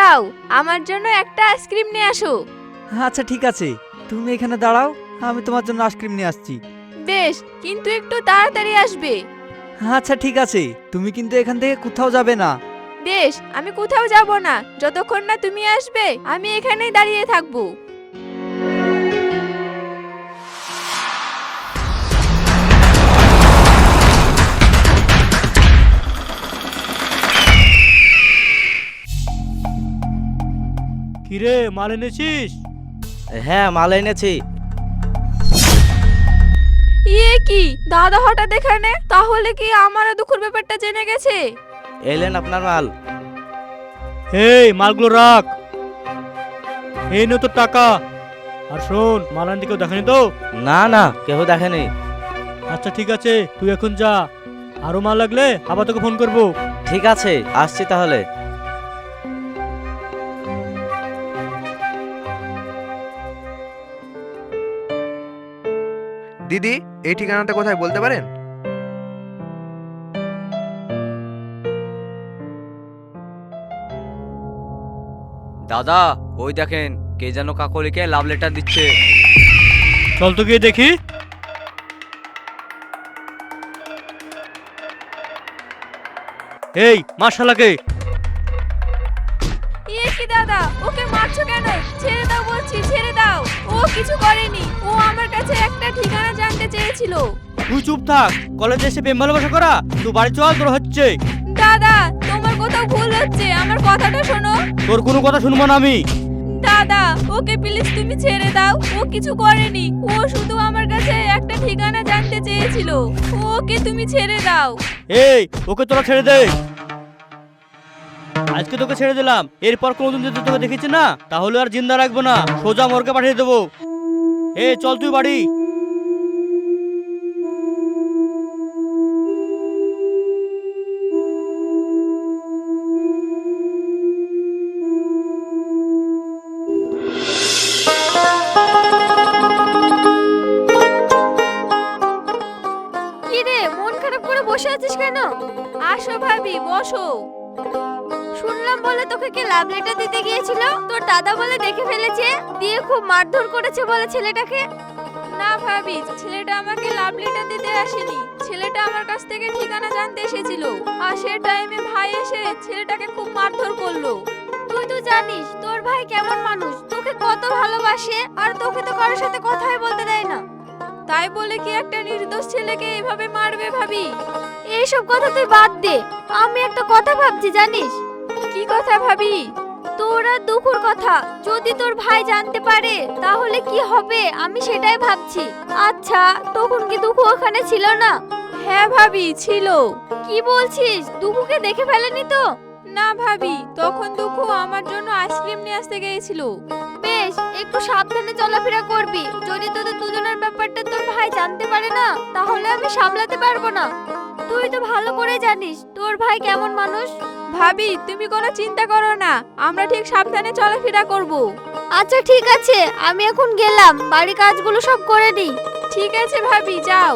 যাও, আমার জন্য একটা আইসক্রিম নিয়ে আসো। আচ্ছা ঠিক আছে, তুমি এখানে দাঁড়াও, আমি তোমার জন্য আইসক্রিম নিয়ে আসছি। বেশ, কিন্তু একটু তাড়াতাড়ি আসবে। আচ্ছা ঠিক আছে, তুমি কিন্তু এখান থেকে কোথাও যাবে না। বেশ, আমি কোথাও যাব না, যতক্ষণ না তুমি আসবে আমি এখানেই দাঁড়িয়ে থাকবো। কিরে, মাল এনেছিস? হ্যাঁ, মাল এনেছি। ইয়ে কি দাদা হঠাৎ এখানে? তাহলে কি আমারও দুঃখের ব্যাপারটা জেনে গেছে? এলেন আপনার মাল। এই মালগুলো রাখ, এই নে তোর টাকা। আর শোন, মাল আনতে কেউ দেখেনি তো? না না, কেউ দেখেনি। আচ্ছা ঠিক আছে, তুই এখন যা, আরো মাল লাগলে আবার তোকে ফোন করবো। ঠিক আছে, আসছি তাহলে। দিদি, এই ঠিকানাটা কোথায় বলতে পারেন? দাদা, ওই দেখেন কে যেন কাকলিকে লাভ লেটার দিচ্ছে। চল তো গিয়ে দেখি। এই মাশাআল্লাহকে। ইয়ে কি দাদা, ওকে মারছো কেন? ছেড়ে দাও বলছি, ছেড়ে দাও। ও কিছু করেনি, ও আমার কাছে একটা ঠিকানা জানতে চেয়েছিল। তুই চুপ থাক, কলেজে এসে প্রেম ভালোবাসা করা? তুই বাড়ি চল, তোর হচ্ছে। দাদা, তোমার কোথাও ভুল হচ্ছে, আমার কথাটা শোনো। তোর কোনো কথা শুনবো না আমি। দাদা, ওকে প্লিজ তুমি ছেড়ে দাও, ও কিছু করেনি, ও শুধু আমার কাছে একটা ঠিকানা জানতে চেয়েছিল। ওকে তুমি ছেড়ে দাও। এই, ওকে তোরা ছেড়ে দে। আজকে তোকে ছেড়ে দিলাম, এরপর কোনোদিন যদি তোকে দেখেছি না, তাহলে আর জিন্দা রাখবো না, সোজা মর্গে পাঠিয়ে দেবো। এই চল তুই বাড়ি। কি রে, মন খারাপ করে বসে আছিস কেন? আসো ভাবি, বসো। শুনলাম বলে তোকে কে লাভ লেটার দিতে গিয়েছিল, তোর দাদা বলে দেখে ফেলেছে, দিয়ে খুব মারধর করেছে বলে ছেলেটাকে। না ভাবি, ছেলেটা আমাকে লাভ লেটার দিতে আসেনি, ছেলেটা আমার কাছ থেকে ঠিকানা জানতে এসেছিল। আর সে টাইমে ভাই এসে ছেলেটাকে খুব মারধর করলো। তুই তো জানিস তোর ভাই কেমন মানুষ, তোকে কত ভালোবাসে, আর তোকে তো কারোর সাথে কথাই বলতে দেয় না। তাই বলে কি একটা নির্দোষ ছেলেকে এভাবে মারবে ভাবি? এইসব কথা তুই বাদ দে, আমি একটা কথা ভাবছি জানিস। কি কথা ভাবি? তোর আর দুঃখের কথা, যদি তোর ভাই জানতে পারে তাহলে কি হবে, আমি সেটাই ভাবছি। আচ্ছা, তখন কি দুঃখ ওখানে ছিল না? হ্যাঁ ভাবি, ছিল। কি বলছিস, দুঃখকে দেখে ফেলেনি তো? না ভাবি, তখন দুঃখ আমার জন্য আইসক্রিম নিয়ে আসতে গিয়েছিল। বেশ, একটু সাবধানে চলাফেরা করবি, যদি তোদের দুজনের ব্যাপারটা তোর ভাই জানতে পারে না, তাহলে আমি সামলাতে পারবো না। তুই তো ভালো করে জানিস তোর ভাই কেমন মানুষ। ভাবি, তুমি কোনো চিন্তা করো না, আমরা ঠিক সাবধানে চলাফেরা করব। আচ্ছা ঠিক আছে, আমি এখন গেলাম, বাড়ি কাজগুলো সব করে নিই। ঠিক আছে ভাবি, যাও।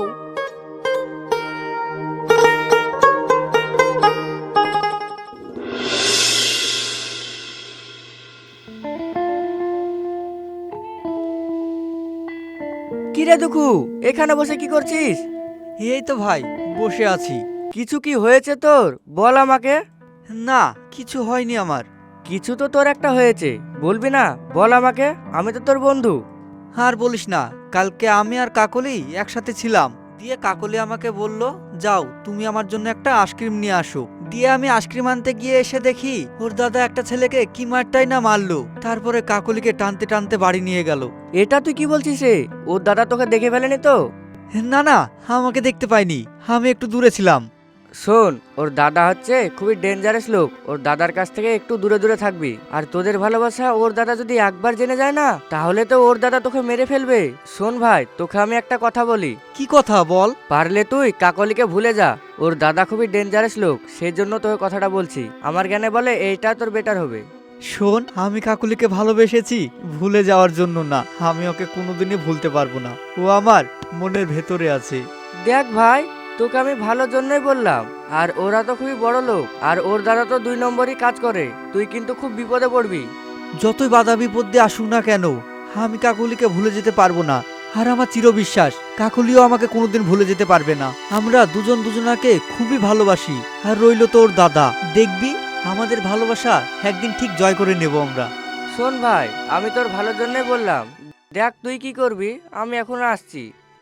কি রে দুঃখু, এখানে বসে কি করছিস? এই তো ভাই, বসে আছি। কিছু কি হয়েছে তোর? বল আমাকে। না, কিছু হয়নি আমার। কিছু তো তোর একটা হয়েছে, বলবি না? বল আমাকে, আমি তো তোর বন্ধু। আর বলিস না, কালকে আমি আর কাকলি একসাথে ছিলাম, দিয়ে কাকলি আমাকে বলল, যাও তুমি আমার জন্য একটা আইসক্রিম নিয়ে আসো। দিয়ে আমি আইসক্রিম আনতে গিয়ে এসে দেখি ওর দাদা একটা ছেলেকে কি মারটাই না মারলো, তারপরে কাকলিকে টানতে টানতে বাড়ি নিয়ে গেল। এটা তুই কি বলছিস রে? ওর দাদা তোকে দেখে ফেলেনি তো? না না, আমাকে দেখতে পাইনি, আমি একটু দূরে ছিলাম। শোন, ওর দাদা হচ্ছে খুবই ডেঞ্জারাস লোক, ওর দাদার কাছ থেকে একটু দূরে দূরে থাকবি। আর তোদের ভালোবাসা ওর দাদা যদি একবার জেনে যায় না, তাহলে তো ওর দাদা তোকে মেরে ফেলবে। শোন ভাই, তোকে আমি একটা কথা বলি। কি কথা বল? পারলে তুই কাকলিকে ভুলে যা, ওর দাদা খুবই ডেঞ্জারাস লোক, সেই জন্য তোকে কথাটা বলছি। আমার জ্ঞানে বলে এইটা তোর বেটার হবে। শোন, আমি কাকুলিকে ভালোবেসেছি ভুলে যাওয়ার জন্য না, আমি ওকে কোনোদিনই ভুলতে পারবো না, ও আমার মনের ভেতরে আছে। দেখ ভাই, তোকে আমি ভালোর জন্যই বললাম। আর ওরা তো খুবই বড় লোক, আর ওর দাদা তো 2 নম্বরই কাজ করে। তুই কিন্তু খুব বিপদে পড়বি। যতই বাধা বিপত্তি আসুক না কেন, আমি কাকলিকে ভুলে যেতে পারবো না। আর আমার চিরবিশ্বাস কাকলিও আমাকে কোনোদিন ভুলে যেতে পারবে না। আমরা দুজন দুজনাকে খুবই ভালোবাসি। আর রইল তোর দাদা, দেখবি আমাদের ভালোবাসা একদিন ঠিক জয় করে নেব আমরা। শোন ভাই, আমি তোর ভালোর জন্যই বললাম। দেখ তুই কি করবি, আমি এখন আসছি।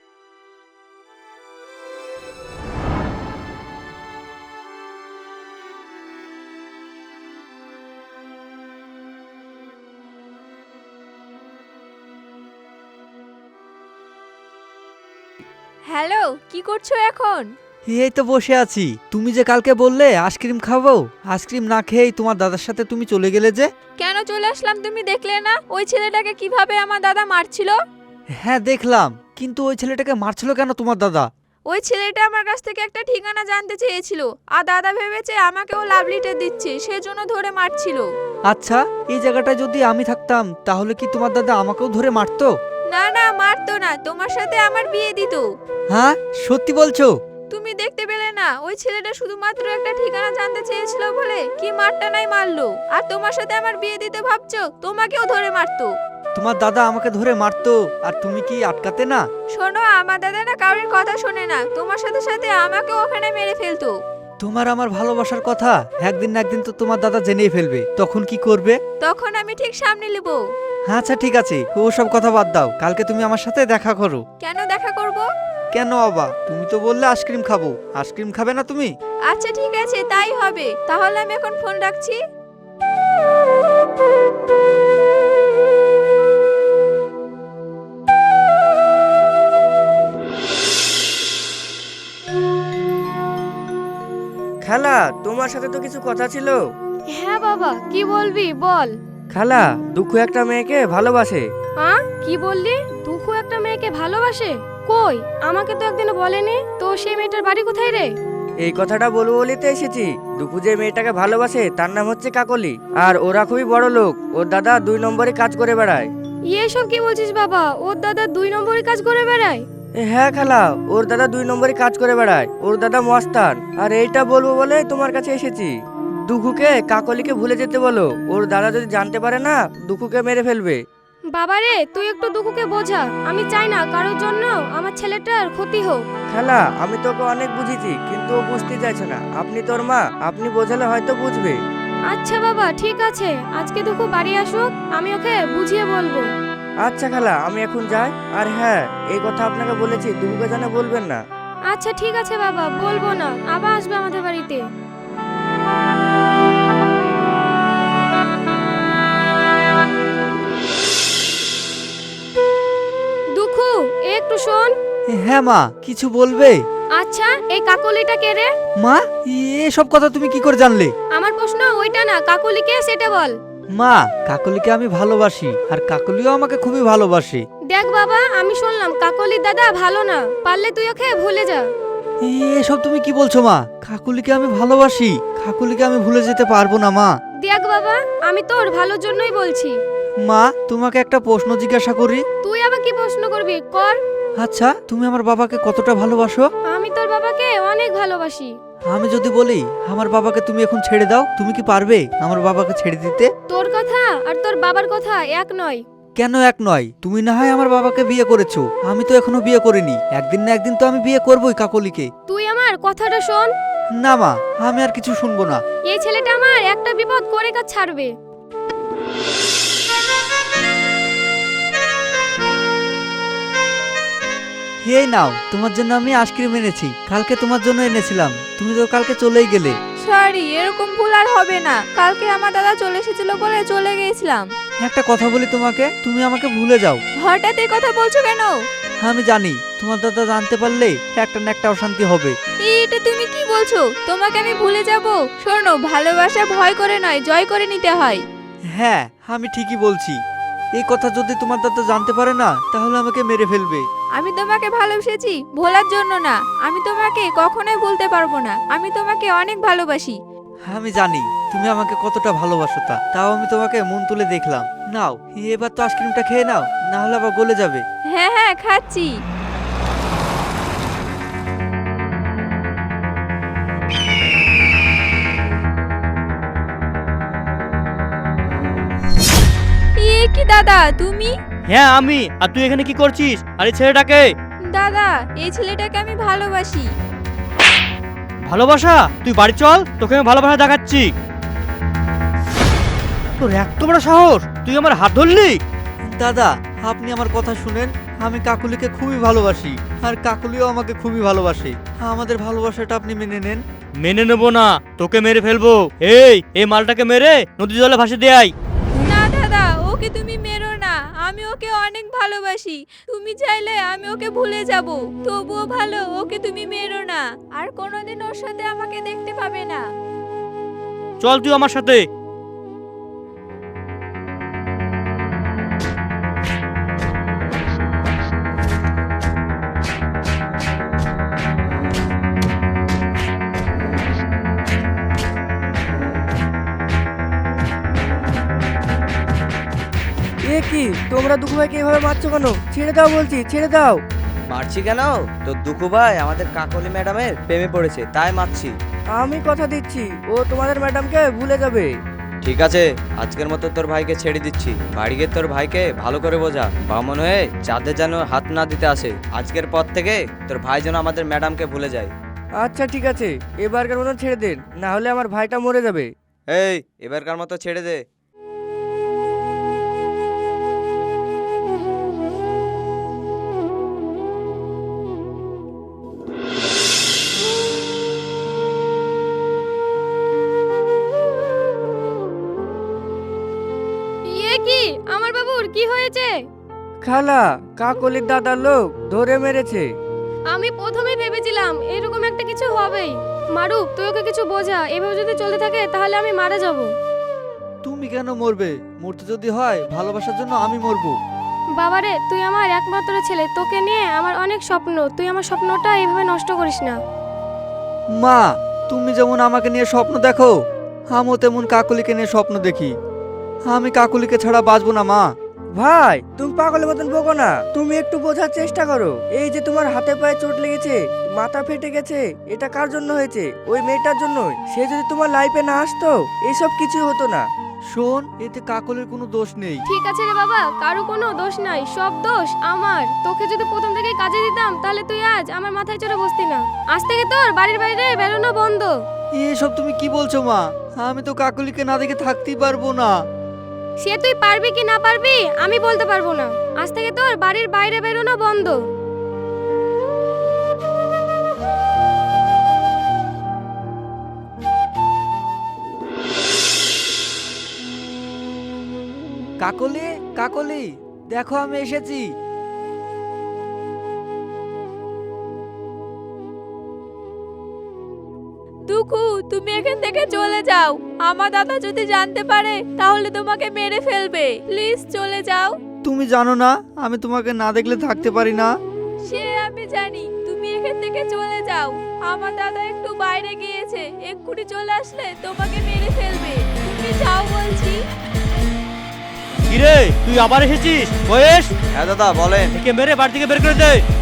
হ্যালো, কি করছো এখন? এই তো বসে আছি। তুমি যে কালকে বললে আইসক্রিম খাবো, আইসক্রিম না খেয়েই তোমার দাদার সাথে তুমি চলে গেলে যে। কেন চলে আসলাম তুমি দেখলে না ওই ছেলেটাকে কিভাবে আমার দাদা মারছিল? হ্যাঁ দেখলাম, কিন্তু ওই ছেলেটাকে মারছিল কেন তোমার দাদা? ওই ছেলেটা আমার কাছ থেকে একটা ঠিকানা জানতে চেয়েছিল, আর দাদা ভেবেছে আমাকে ও লাভ লেটার দিচ্ছে, সেজন্য ধরে মারছিল। আচ্ছা, এই জায়গাটায় যদি আমি থাকতাম তাহলে কি তোমার দাদা আমাকেও ধরে মারতো? না না, মারতো না, তোমার সাথে আমার বিয়ে দিত। হ্যাঁ, সত্যি বলছো? তুমি দেখতে পেলে না ওই ছেলেটা শুধুমাত্র একটা ঠিকানা জানতে চেয়েছিল বলে কি মারটা নাই মারলো, আর তোমার সাথে আমার বিয়ে দিতে ভাবছো, তোমাকেও ধরে মারতো। তোমার দাদা আমাকে ধরে মারতো আর তুমি কি আটকাতে না? শোনো, আমার দাদা না কারোর কথা শোনে না, তোমার সাথে সাথে আমাকেও ওখানে মেরে ফেলতো। তোমার আমার ভালোবাসার কথা একদিন না একদিন তো তোমার দাদা জেনেই ফেলবে, তখন কি করবে? তখন আমি ঠিক সামনে নেব। আচ্ছা ঠিক আছে, ও সব কথা বাদ দাও, কালকে তুমি আমার সাথে দেখা করো। কেন দেখা করব? কেন বাবা, তুমি তো বললে আইসক্রিম খাবো, আইসক্রিম খাবে না তুমি? আচ্ছা ঠিক আছে, তাই হবে, তাহলে আমি এখন ফোন রাখছি। খালা, তোমার সাথে তো কিছু কথা ছিল। হ্যাঁ বাবা, কি বলবি বল। খালা, দুঃখ একটা মেয়েকে ভালোবাসে। হ্যাঁ, কি বললি? দুঃখ একটা মেয়েকে ভালোবাসে? কই, আমাকে তো একদিনও বলেনি। তো সেই মেয়েটার বাড়ি কোথায় রে? এই কথাটা বলবো বলিতে এসেছি। দুঃখু যে মেয়েটাকে ভালোবাসে তার নাম হচ্ছে কাকলি, আর ওরা খুবই বড় লোক। ওর দাদা 2 নম্বরে কাজ করে বেড়ায়। এসব কি বলছিস বাবা? ওর দাদা 2 নম্বরে কাজ করে বেড়ায়? হ্যাঁ খালা, ওর দাদা 2 নম্বরে কাজ করে বেড়ায়। ওর দাদা মস্তান। আর এইটা বলবো বলে তোমার কাছে এসেছি। দুঃখুকে কাকলিকে ভুলে যেতে বলো। ওর দাদা যদি জানতে পারে না, দুঃখুকে মেরে ফেলবে। বাবা রে, তুই একটু দুঃখকে বোঝা। আমি চাই না কারোর জন্য আমার ছেলেটার ক্ষতি হোক। খালা, আমি তোকে অনেক বুঝিয়েছি, কিন্তু ও বুঝতে চাইছে না। আপনি তোর মা, আপনি বোঝালে হয়তো বুঝবে। আচ্ছা বাবা, ঠিক আছে, আজকে দুঃখ বাড়ি আসুক, আমি ওকে বুঝিয়ে বলবো। আচ্ছা খালা, আমি এখন যাই। আর হ্যাঁ, এই কথা আপনাকে বলেছি, দুঃখুকে জানে বলবেন না। আচ্ছা ঠিক আছে বাবা, বলবো না। আবার আসবে আমাদের বাড়িতে। দুঃখু, একটু শোন। হ্যাঁ মা, কিছু বলবে? আচ্ছা, এই কাকলিটা কে রে? মা, এসব কথা তুমি কি করে জানলে? আমার প্রশ্ন ওইটা না, কাকলি কে সেটা বল। মা, কাকলিকে আমি ভালোবাসি আর কাকলিও আমাকে খুবই ভালোবাসে। দেখ বাবা, আমি শুনলাম কাকলির দাদা ভালো না, পারলে তুই ওকে ভুলে যা। এসব তুমি কি বলছো মা? কাকলিকে আমি ভালোবাসি, কাকলিকে আমি ভুলে যেতে পারবো না মা। দেখ বাবা, আমি তোর ভালোর জন্যই বলছি। মা, তোমাকে একটা প্রশ্ন জিজ্ঞাসা করি। তুই আবার কি প্রশ্ন করবি, কর। আচ্ছা, তুমি আমার বাবাকে কতটা ভালোবাসো? আমি তোর বাবাকে অনেক ভালোবাসি। আমি যদি বলি আমার বাবাকে তুমি এখন ছেড়ে দাও, তুমি কি পারবে আমার বাবাকে ছেড়ে দিতে? তোর কথা আর তোর বাবার কথা এক নয়। কেন এক নয়? তুমি না হয় আমার বাবাকে বিয়ে করেছো, আমি তো এখনো বিয়ে করিনি। একদিন না একদিন তো আমি বিয়ে করবোই কাকলিকে। তুই আমার কথাটা শোন। না মা, আমি আর কিছু শুনবো না। এই ছেলেটা আমার একটা বিপদ করে কাজ ছাড়বে। এই নাও, তোমার জন্য আমি আইসক্রিম এনেছি, কালকে তোমার জন্য এনেছিলাম, তুমি তো কালকে চলেই গেলে। সরি, এরকম ভুল আর হবে না, কালকে আমার দাদা চলে এসেছিল বলে চলে গিয়েছিলাম। একটা কথা বলি তোমাকে, তুমি আমাকে ভুলে যাও। হঠাৎ এই কথা বলছো কেন? আমি জানি তোমার দাদা জানতে পারলে একটা না একটা অশান্তি হবে। এটা তুমি কি বলছো? তোমাকে আমি ভুলে যাব? শোনো, ভালোবাসা ভয় করে নয়, জয় করে নিতে হয়। হ্যাঁ, আমি ঠিকই বলছি। এই কথা যদি তোমার দাদা জানতে পারে না, তাহলে আমাকে মেরে ফেলবে। আমি তোমাকে ভালোবেসেছি ভোলার জন্য না, আমি তোমাকে কখনোই ভুলতে পারবো না। আমি তোমাকে অনেক ভালোবাসি। আমি জানি তুমি আমাকে কতটা ভালোবাসো, তাও আমি তোমাকে মন তুলে দেখলাম। নাও, এবার তো আইসক্রিমটা খেয়ে নাও, না হলে আবার গলে যাবে। হ্যাঁ হ্যাঁ, খাচ্ছি। দাদা তুমি? হ্যাঁ আমি। আর তুই এখানে কি করছিস? আর এই ছেলেটাকে? দাদা এই ছেলেটাকে আমি ভালোবাসি। ভালোবাসা? তুই বাড়ি চল, তোকে আমি ভালোবাসা দেখাচ্ছি। তোর এত বড় সাহস, তুই আমার হাত ধরলি? দাদা আপনি আমার কথা শুনেন, আমি কাকুলিকে খুবই ভালোবাসি আর কাকুলিও আমাকে খুবই ভালোবাসে। আমাদের ভালোবাসাটা আপনি মেনে নেন। মেনে নেবো না, তোকে মেরে ফেলবো। এই মালটাকে মেরে নদী জলে ভাসিয়ে দেয়। না দাদা, ওকে তুমি মেরো না, আমি ওকে অনেক ভালোবাসি। তুমি চাইলে আমি ওকে ভুলে যাব, তবুও ভালো ওকে তুমি মেরো না। আর কোনোদিন ওর সাথে আমাকে দেখতে পাবে না। চল তুই আমার সাথে। এ কি তোমরা দুঃখ ভাইকে এভাবে মারছো কেন? ছেড়ে দাও বলছি, ছেড়ে দাও। মারছি কেন? তোর দুঃখু ভাই আমাদের কাকলি ম্যাডামের প্রেমে পড়েছে, তাই মারছি। আমি কথা দিচ্ছি ও তোমাদের ম্যাডামকে ভুলে যাবে। ঠিক আছে, আজকের মতো তোর ভাইকে ছেড়ে দিচ্ছি। বাড়ি গিয়ে তোর ভাইকে ভালো করে বোঝা, বামন হয়ে যাদের যেন হাত না দিতে আসে। আজকের পর থেকে তোর ভাই যেন আমাদের ম্যাডামকে ভুলে যায়। আচ্ছা ঠিক আছে, এবারকার মতন ছেড়ে দেন, না হলে আমার ভাইটা মরে যাবে। এই এবারকার মতো ছেড়ে দে। ইয়ে কি আমার বাবুর কি হয়েছে? খালা, কাকলির দাদার লোক ধরে মেরেছে। আমি প্রথমে ভেবেছিলাম এরকম একটা কিছু হবেই। মারুফ তুই ওকে কিছু বোঝা, এভাবে যদি চলতে থাকে তাহলে আমি মারা যাব। তুমি কেন মরবে? মরতে যদি হয় ভালোবাসার জন্য আমি মরবো। বাবারে তুই আমার একমাত্র ছেলে, তোকে নিয়ে আমার অনেক স্বপ্ন, তুই আমার স্বপ্নটা এইভাবে নষ্ট করিস না। মা, তুমি যেমন আমাকে নিয়ে স্বপ্ন দেখো, আমিও তেমন কাকলিকে নিয়ে স্বপ্ন দেখি। আমি কাকলিকে ছাড়া বাঁচবো না মা। ভাই তুমি পাগলের মতন বকো না, তুমি একটু বোঝার চেষ্টা করো। এই যে তোমার হাতে পায়ে চোট লেগেছে, মাথা ফেটে গেছে, এটা কার জন্য হয়েছে? ওই মেয়েটার জন্যই। সে যদি তোমার লাইফে না আসতো এইসব কিছুই হতো না। শোন, এতে কাকলির কোনো দোষ নেই। ঠিক আছে রে বাবা, কারো কোনো দোষ নাই, সব দোষ আমার। তোকে যদি প্রথম থেকে কাজে দিতাম তাহলে তুই আজ আমার মাথায় চড়ে বসতি না। আজ থেকে তোর বাড়ির বাইরে বেরোনো বন্ধ। এসব তুমি কি বলছো মা? আমি তো কাকলিকে না দেখে থাকতেই পারবো না। সে তুই পারবি কি না পারবি আমি বলতে পারবো না। আজ থেকে তোর বাড়ির বাইরে বেরোনো বন্ধ। কাকলি, কাকলি, দেখো আমি এসেছি। দুঃখু তুমি এখান থেকে চলে যাও, আমার দাদা যদি জানতে পারে তাহলে তোমাকে মেরে ফেলবে। প্লিজ চলে যাও। তুমি জানো না আমি তোমাকে না দেখলে থাকতে পারি না। সে আমি জানি, তুমি এখান থেকে চলে যাও। আমার দাদা একটু বাইরে গিয়েছে, এক্ষুনি চলে আসলে তোমাকে মেরে ফেলবে। তুমি যাও বলছি। কিরে তুই আবার এসেছিস? বয়েস, হ্যাঁ দাদা বলেন। একে মেরে বাড়ি থেকে বের করে দে।